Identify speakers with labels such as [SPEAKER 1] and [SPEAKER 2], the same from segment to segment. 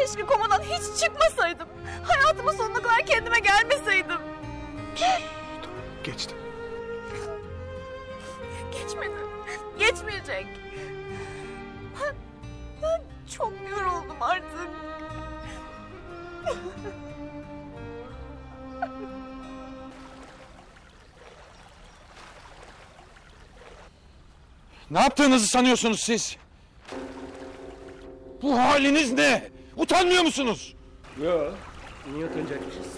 [SPEAKER 1] Keşke komadan hiç çıkmasaydım. Hayatımın sonuna kadar kendime gelmeseydim.
[SPEAKER 2] Geçti.
[SPEAKER 1] Geçmedi. Geçmeyecek. Ben çok yoruldum artık.
[SPEAKER 2] Ne yaptığınızı sanıyorsunuz siz? Bu haliniz ne? Utanmıyor musunuz?
[SPEAKER 3] Yok. Niye utanacakmışız?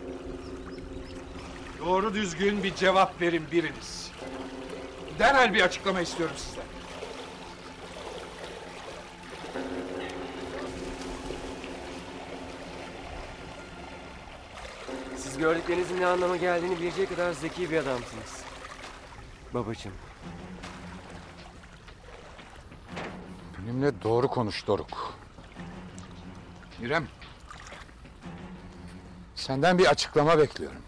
[SPEAKER 2] Doğru düzgün bir cevap verin biriniz. Derhal bir açıklama istiyorum sizden.
[SPEAKER 3] Siz gördüklerinizin ne anlama geldiğini bilecek kadar zeki bir adamsınız. Babacığım.
[SPEAKER 2] Benimle doğru konuş Doruk. İrem. Senden bir açıklama bekliyorum.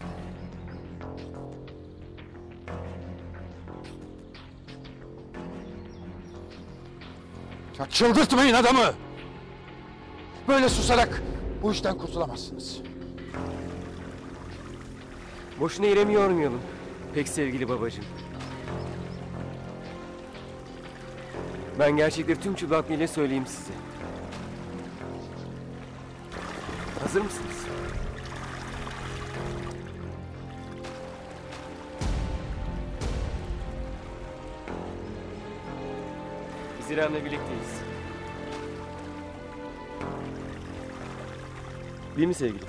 [SPEAKER 2] Ya çıldırtmayın adamı. Böyle susarak bu işten kurtulamazsınız.
[SPEAKER 3] Boşuna İrem'i yormayalım. Pek sevgili babacığım. Ben gerçekleri tüm çıplaklığıyla söyleyeyim size. Hazır mısınız? Biz İrem'le birlikteyiz. Değil mi sevgilim?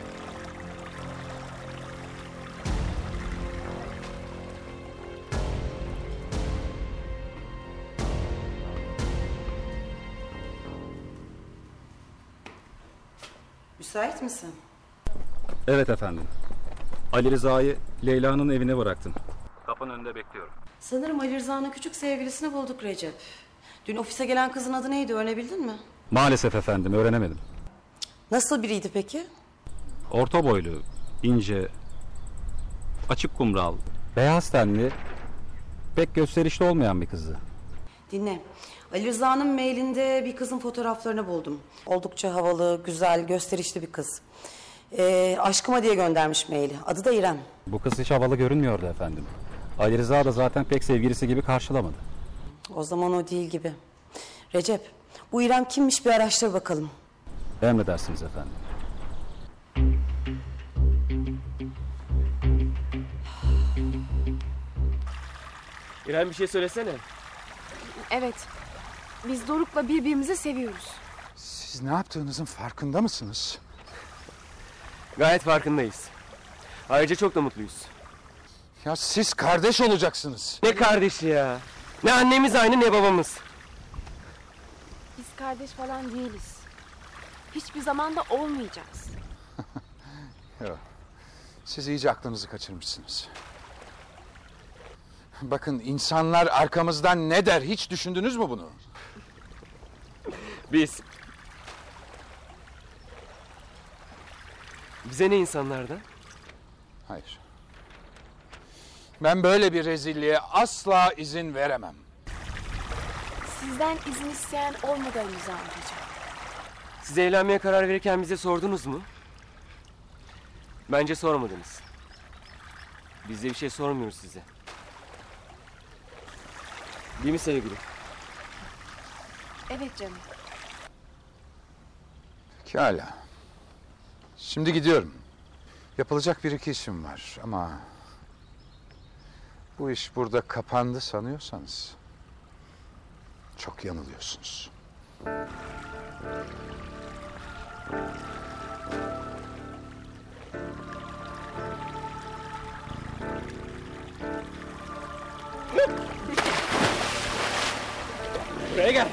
[SPEAKER 4] Müsait misin?
[SPEAKER 5] Evet efendim. Ali Rıza'yı Leyla'nın evine bıraktım. Kapının önünde bekliyorum.
[SPEAKER 4] Sanırım Ali Rıza'nın küçük sevgilisini bulduk Recep. Dün ofise gelen kızın adı neydi, öğrenebildin mi?
[SPEAKER 5] Maalesef efendim, öğrenemedim.
[SPEAKER 4] Nasıl biriydi peki?
[SPEAKER 5] Orta boylu, ince, açık kumral, beyaz tenli, pek gösterişli olmayan bir kızdı.
[SPEAKER 4] Dinle. Ali Rıza'nın mailinde bir kızın fotoğraflarını buldum. Oldukça havalı, güzel, gösterişli bir kız. Aşkıma diye göndermiş maili. Adı da İrem.
[SPEAKER 5] Bu kız hiç havalı görünmüyordu efendim. Ali Rıza da zaten pek sevgilisi gibi karşılamadı.
[SPEAKER 4] O zaman o değil gibi. Recep, bu İrem kimmiş bir araştır bakalım.
[SPEAKER 5] Emredersiniz efendim.
[SPEAKER 3] İrem bir şey söylesene.
[SPEAKER 6] Evet. Biz Doruk'la birbirimizi seviyoruz.
[SPEAKER 2] Siz ne yaptığınızın farkında mısınız?
[SPEAKER 3] Gayet farkındayız. Ayrıca çok da mutluyuz.
[SPEAKER 2] Ya siz kardeş olacaksınız.
[SPEAKER 3] Ne kardeşi ya? Ne annemiz aynı ne babamız.
[SPEAKER 6] Biz kardeş falan değiliz. Hiçbir zaman da olmayacağız.
[SPEAKER 2] Yok. Siz iyice aklınızı kaçırmışsınız. Bakın insanlar arkamızdan ne der hiç düşündünüz mü bunu?
[SPEAKER 3] Biz. Bize ne insanlardan?
[SPEAKER 2] Hayır. Ben böyle bir rezilliğe asla izin veremem.
[SPEAKER 6] Sizden izin isteyen olmadı Ali Rıza amcacığım.
[SPEAKER 3] Siz evlenmeye karar verirken bize sordunuz mu? Bence sormadınız. Biz de bir şey sormuyoruz size. Değil mi sevgilim?
[SPEAKER 6] Evet canım.
[SPEAKER 2] Pekala. Şimdi gidiyorum. Yapılacak bir iki işim var ama... bu iş burada kapandı sanıyorsanız... çok yanılıyorsunuz.
[SPEAKER 3] Buraya gel.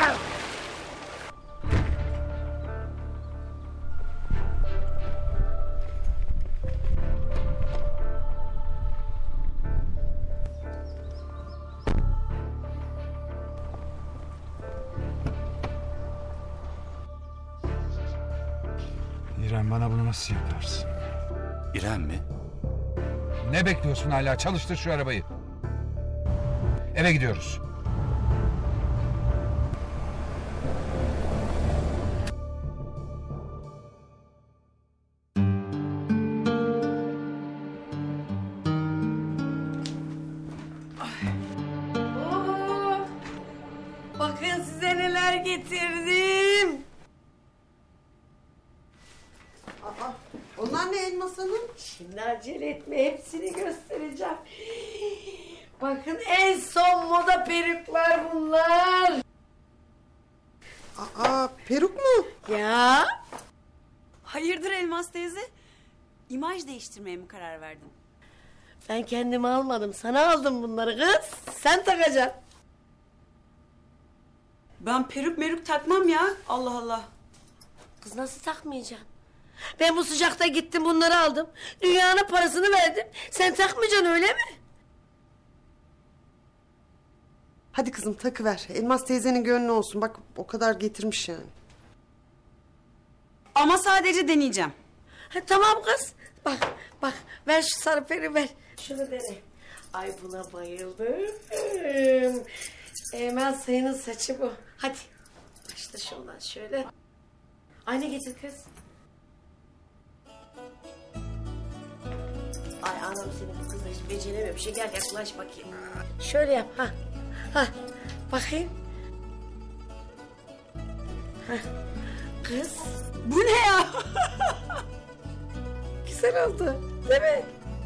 [SPEAKER 2] İrem, bana bunu nasıl yaparsın?
[SPEAKER 5] İrem mi?
[SPEAKER 2] Ne bekliyorsun hala? Çalıştır şu arabayı. Eve gidiyoruz.
[SPEAKER 7] Bakın size neler getirdim.
[SPEAKER 8] Aa, onlar ne Elmas Hanım?
[SPEAKER 7] Şimdi acele etme, hepsini göstereceğim. Bakın en son moda peruklar bunlar.
[SPEAKER 8] Aa, peruk mu?
[SPEAKER 7] Ya.
[SPEAKER 4] Hayırdır Elmas teyze? İmaj değiştirmeye mi karar verdin?
[SPEAKER 7] Ben kendimi almadım, sana aldım bunları kız. Sen takacaksın.
[SPEAKER 4] Ben peruk meruk takmam ya. Allah Allah.
[SPEAKER 7] Kız nasıl takmayacaksın? Ben bu sıcakta gittim bunları aldım. Dünyanın parasını verdim. Sen takmayacaksın öyle mi?
[SPEAKER 8] Hadi kızım takıver. Elmas teyzenin gönlü olsun. Bak o kadar getirmiş yani.
[SPEAKER 4] Ama sadece deneyeceğim.
[SPEAKER 7] Ha, tamam kız. Bak ver şu sarı peri ver. Şunu dene. Ay buna bayıldım. Emel Sayın'ın saçı bu. Hadi. Başla şundan şöyle. Ayna getir kız. Ay anam seni bu kızla hiç beceremiyor. Bir şey gel yaklaş bakayım. Şöyle yap ha. Ha. Bakayım. Ha. Kız.
[SPEAKER 4] Bu ne ya?
[SPEAKER 7] Güzel oldu. Değil mi?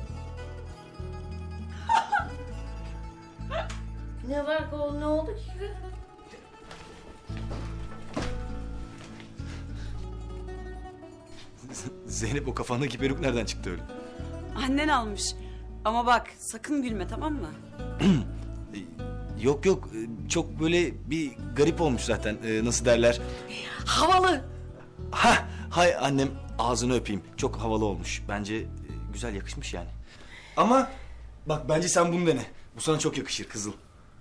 [SPEAKER 7] Ne var kol ne oldu ki?
[SPEAKER 9] Zeynep o kafandaki peruk nereden çıktı öyle?
[SPEAKER 4] Annen almış. Ama bak sakın gülme tamam mı?
[SPEAKER 9] Yok çok böyle bir garip olmuş zaten nasıl derler.
[SPEAKER 7] Havalı.
[SPEAKER 9] Ha hay annem ağzını öpeyim çok havalı olmuş bence güzel yakışmış yani. Ama bak bence sen bunu dene bu sana çok yakışır kızıl.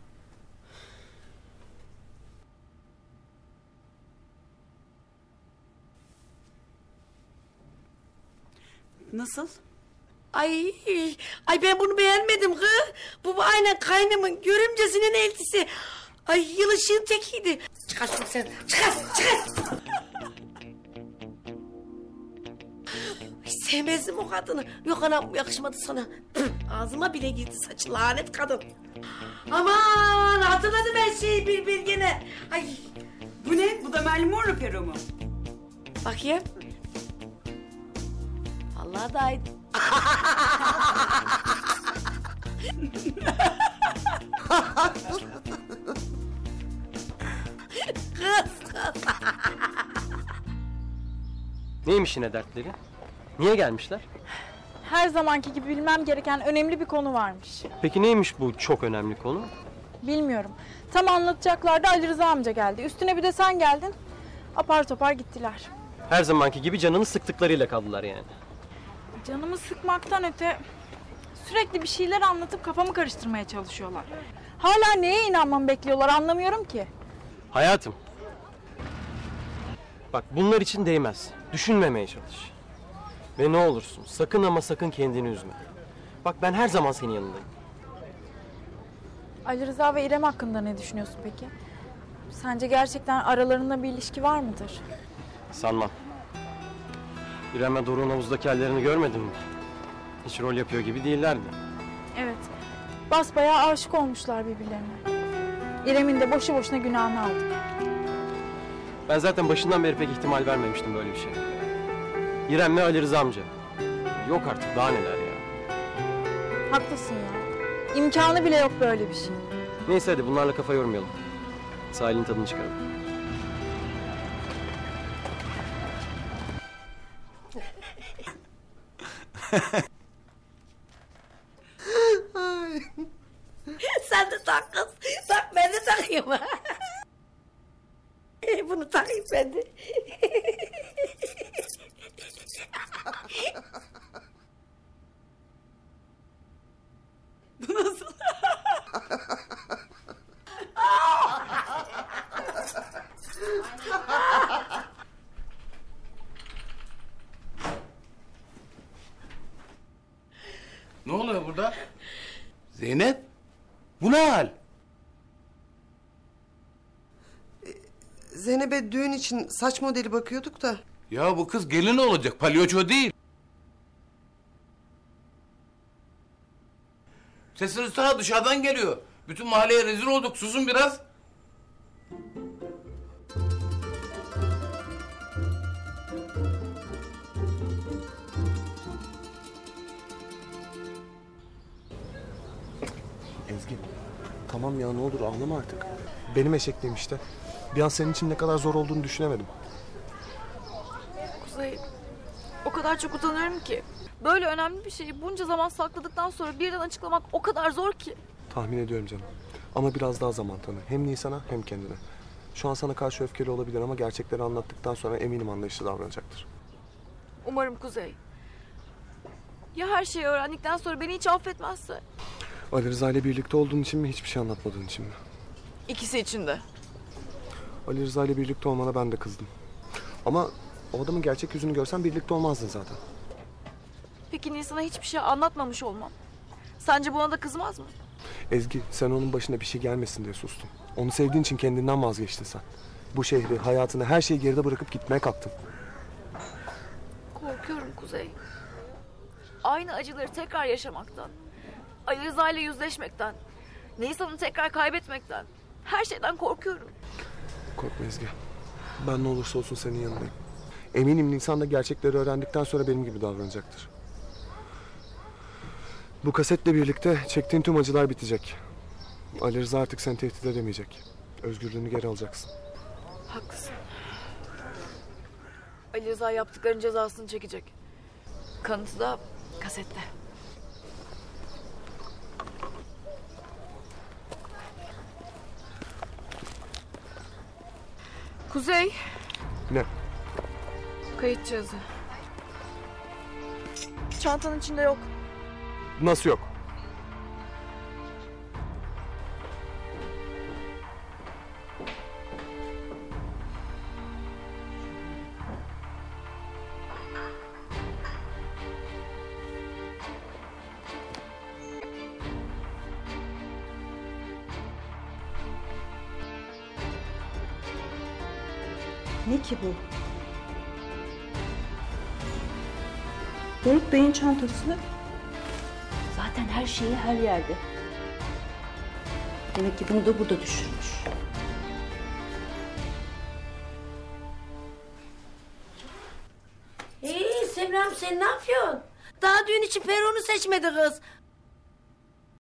[SPEAKER 4] Nasıl?
[SPEAKER 7] Ay ben bunu beğenmedim kız. Bu aynen kaynımın görümcesinin eltisi. Ay yılışığın tekiydi. Çıkar şunu sen. Çıkar. Ay, sevmezdim o kadını. Yok anam yakışmadı sana. Ağzıma bile girdi saçı lanet kadın. Aman hatırladım her şeyi bir gene. Ay
[SPEAKER 4] Bu ne? Bu da Marilyn Monroe peruğu mu?
[SPEAKER 7] bakayım. Vallahi da aynı. Kız.
[SPEAKER 3] Neymiş yine dertleri? Niye gelmişler?
[SPEAKER 1] Her zamanki gibi bilmem gereken önemli bir konu varmış.
[SPEAKER 3] Peki neymiş bu çok önemli konu?
[SPEAKER 1] Bilmiyorum. Tam anlatacaklardı Ali Rıza amca geldi. Üstüne bir de sen geldin. Apar topar gittiler.
[SPEAKER 3] Her zamanki gibi canını sıktıklarıyla kaldılar yani.
[SPEAKER 1] Canımı sıkmaktan öte sürekli bir şeyler anlatıp kafamı karıştırmaya çalışıyorlar. Hala neye inanmamı bekliyorlar anlamıyorum ki.
[SPEAKER 3] Hayatım. Bak bunlar için değmez. Düşünmemeye çalış. Ve ne olursun sakın ama sakın kendini üzme. Bak ben her zaman senin yanındayım.
[SPEAKER 1] Ali Rıza ve İrem hakkında ne düşünüyorsun peki? Sence gerçekten aralarında bir ilişki var mıdır?
[SPEAKER 3] Sanmam. İrem'le Doruk'un havuzdaki hallerini görmedin mi? Hiç rol yapıyor gibi değillerdi.
[SPEAKER 1] Evet. Basbayağı aşık olmuşlar birbirlerine. İrem'in de boşu boşuna günahını aldık.
[SPEAKER 3] Ben zaten başından beri pek ihtimal vermemiştim böyle bir şey. İrem ve Ali Rıza amca. Yok artık daha neler ya.
[SPEAKER 1] Haklısın ya. İmkanı bile yok böyle bir şey.
[SPEAKER 3] Neyse hadi bunlarla kafa yormayalım. Sahilin tadını çıkaralım.
[SPEAKER 7] Sen de tak kız. Tak ben de takayım. Bunu takayım ben de.
[SPEAKER 4] Bu nasıl?
[SPEAKER 10] Ne oluyor burada? Zeynep? Bu ne hal?
[SPEAKER 8] Zeynep'e düğün için saç modeli bakıyorduk da.
[SPEAKER 10] Ya bu kız gelin olacak, palyaço değil. Sesiniz ta dışarıdan geliyor. Bütün mahalleye rezil olduk, susun biraz.
[SPEAKER 11] Ezgi, tamam ya ne olur ağlama artık. Benim eşekliğim işte. Bir an senin için ne kadar zor olduğunu düşünemedim.
[SPEAKER 1] Kuzey, o kadar çok utanıyorum ki. Böyle önemli bir şeyi bunca zaman sakladıktan sonra birden açıklamak o kadar zor ki.
[SPEAKER 11] Tahmin ediyorum canım. Ama biraz daha zaman tanı. Hem Nisan'a hem kendine. Şu an sana karşı öfkeli olabilir ama gerçekleri anlattıktan sonra eminim anlayışlı davranacaktır.
[SPEAKER 1] Umarım Kuzey. Ya her şeyi öğrendikten sonra beni hiç affetmezse?
[SPEAKER 11] Ali Rıza ile birlikte olduğun için mi, hiçbir şey anlatmadığın için mi?
[SPEAKER 1] İkisi için de.
[SPEAKER 11] Ali Rıza ile birlikte olmana ben de kızdım. Ama o adamın gerçek yüzünü görsen birlikte olmazdın zaten.
[SPEAKER 1] Peki Nisan'a hiçbir şey anlatmamış olmam sence buna da kızmaz mı?
[SPEAKER 11] Ezgi, sen onun başına bir şey gelmesin diye sustun. Onu sevdiğin için kendinden vazgeçtin sen. Bu şehri, hayatını, her şeyi geride bırakıp gitmeye kalktın.
[SPEAKER 1] Korkuyorum Kuzey. Aynı acıları tekrar yaşamaktan, Ali Rıza ile yüzleşmekten, Nisan'ı tekrar kaybetmekten, her şeyden korkuyorum.
[SPEAKER 11] Korkma Ezgi. Ben ne olursa olsun senin yanındayım. Eminim Nisan da gerçekleri öğrendikten sonra benim gibi davranacaktır. Bu kasetle birlikte çektiğin tüm acılar bitecek. Ali Rıza artık seni tehdit edemeyecek. Özgürlüğünü geri alacaksın.
[SPEAKER 1] Haklısın. Ali Rıza yaptıklarının cezasını çekecek. Kanıtı da kasette. Kuzey.
[SPEAKER 11] Ne?
[SPEAKER 1] Kayıt cihazı. Çantanın içinde yok.
[SPEAKER 11] Nasıl yok?
[SPEAKER 12] Ne ki bu? Doruk Bey'in çantası. Zaten her şeyi her yerde. Demek ki bunu da burada düşürmüş.
[SPEAKER 7] Semram sen ne yapıyorsun? Daha düğün için peronu seçmedi kız.